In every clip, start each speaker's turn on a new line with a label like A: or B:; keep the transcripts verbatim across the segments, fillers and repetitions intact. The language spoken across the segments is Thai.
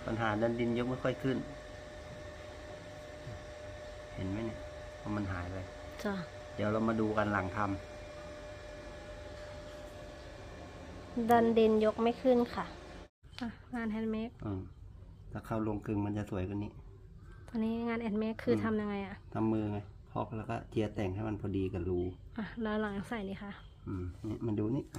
A: ปัญหาดันดินยกไม่ค่อยขึ้นเห็นไหมเนี่ยเพราะมันหายไป
B: จ้ะ
A: เดี๋ยวเรามาดูกันหลังท
B: ำดันดินยกไม่ขึ้นค่ะอ่ะงานแฮนด์เมด
A: อืมถ้าเข้าลงกึ่งมันจะสวยกว่านี้
B: ตอนนี้งานแฮนด์เมดคือทำยังไงอะ
A: ทำมือไงพอกแล้วก็เจียแต่งให้มันพอดีกับรู
B: อ่ะแล้วหลังใส่นี่ค่ะ
A: อืมนี่มันดูนี่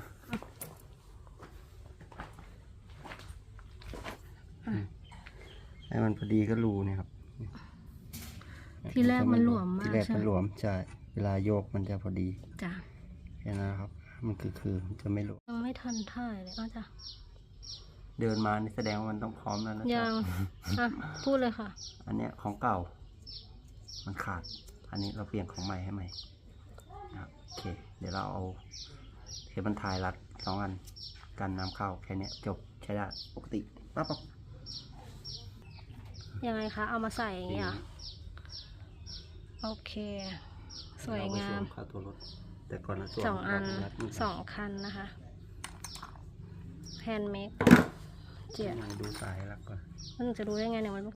A: ให้มันพอดีก็รูเนี่ยครับ
B: ที่แรกมันหลวมมาก
A: ที่แรกมันหลวมใช่เวลาโยกมันจะพอดี
B: จ้ะ
A: แค่นั้นครับมันคือคือมันจะไม่หลวม
B: ยังไม่ทันท่ายเลยก็จ้ะ
A: เดินมานี่แสดงว่ามันต้องพร้อมแล้วนะ
B: ยังอ่ะพูดเลยค่ะ
A: อันเนี้ยของเก่ามันขาดอันนี้เราเปลี่ยนของใหม่ให้ใหม่นะครับโอเคเดี๋ยวเราเอาเทปบรรทายรัดสองอันกันน้ำเข้าแค่นี้จบใช้ได้ปกติปั๊บปั๊บ
B: ยังไงคะเอามาใส่อย่างนี้อ่ะโอเคสวยงาม
A: เข้าตัวรถแต่ก่อนนะ
B: สองอันสองคันนะคะแฮนด์เมดเจีย
A: ดูสายรักก่อน
B: มันจะรู้ได้ไงเนี่ยมัน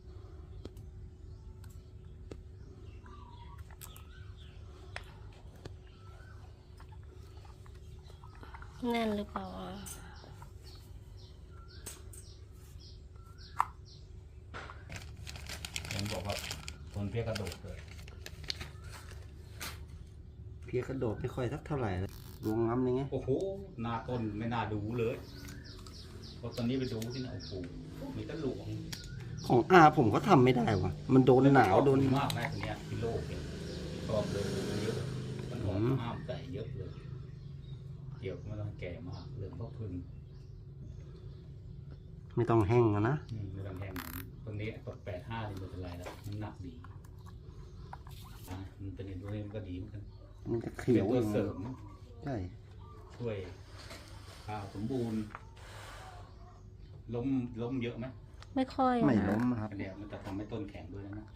B: แน่นหรือเปล่า
C: ผมบอกว่าทนเพี้ยกระโดดเลย
A: เพี้ยกระโดดไม่ค่อยสักเท่าไหร่ดวงง้ำยังไง
C: โอ้โหหน้าต้นไม่น่าดูเลยเพราะตอนนี้ไปดูที่ไหนโอ้โหมีตะหลวง
A: ของอาผมก็ทำไม่ได้วะมันโดนหนาวโดน
C: มากแม่คนนี้ที่โลกเนี่ยชอบเลยเยอะมันหอมห้ามใส่เยอะเลยเกี่ยวไม่ต้องแก่มากเรื่องพ่อพึ่ง
A: ไม่ต้องแห้งนะ
C: ไม่ต้องแห้งตรงนี้กดแปดห้านี่ไม่เป็นไรแล้วมันหนักดีอ่ะมันเป็นด้วยมันก็ดีเหมือนกัน
A: มันจะเขียว
C: ตัวเสริม
A: ใช่
C: ช่วยข้าวสมบูรณ์ล้มล้มเยอะไหม
B: ไม่ค่อย
A: ไม่ล้มครับ
C: เดี๋ยวมันจะทำให้ต้นแข็งด้วยนะ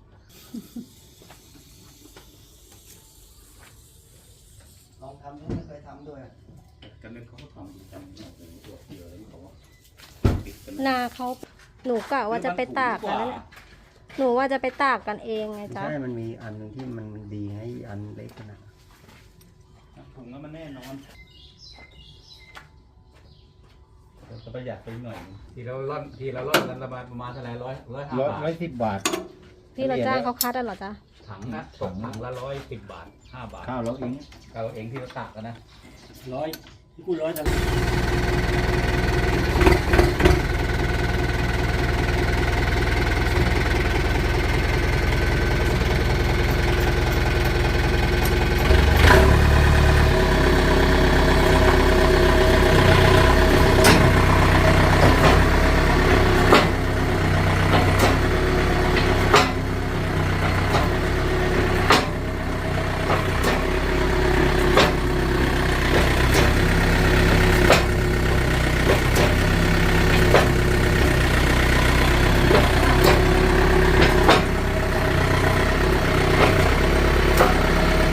A: ลองทำด้วยไม่เคยทำด้วย
C: กันนึงเขาก็ทำจำหน่อยตัวเดียวแล้วเขาว่า
B: นาเขาหนูกะว่าจะไปตากกันนั่นแหละหนูว่าจะไปตากกันเองไงจ๊ะ
A: ใช่มันมีอันนึงที่มันดีให้อันเล็กนะ
C: ถุงแล้วมันแน่นอนจะประหยัดไปหน่อยทีเราล่อนทีเราล่อนกันประมาณประมาณเท่าไหร่ร้อยร้อยห้าบาท
A: ร้อยสิบบาท
B: ที่เราจ้างเขาคัดอ่ะเหรอจ๊ะ
C: ถังนะสองถังละร้อยสิบบาทห้าบาท
A: ข้าวเราเอง
C: ข้าวเราเองที่เราตากกันนะ
A: ร้อยที่กูร้อยจะ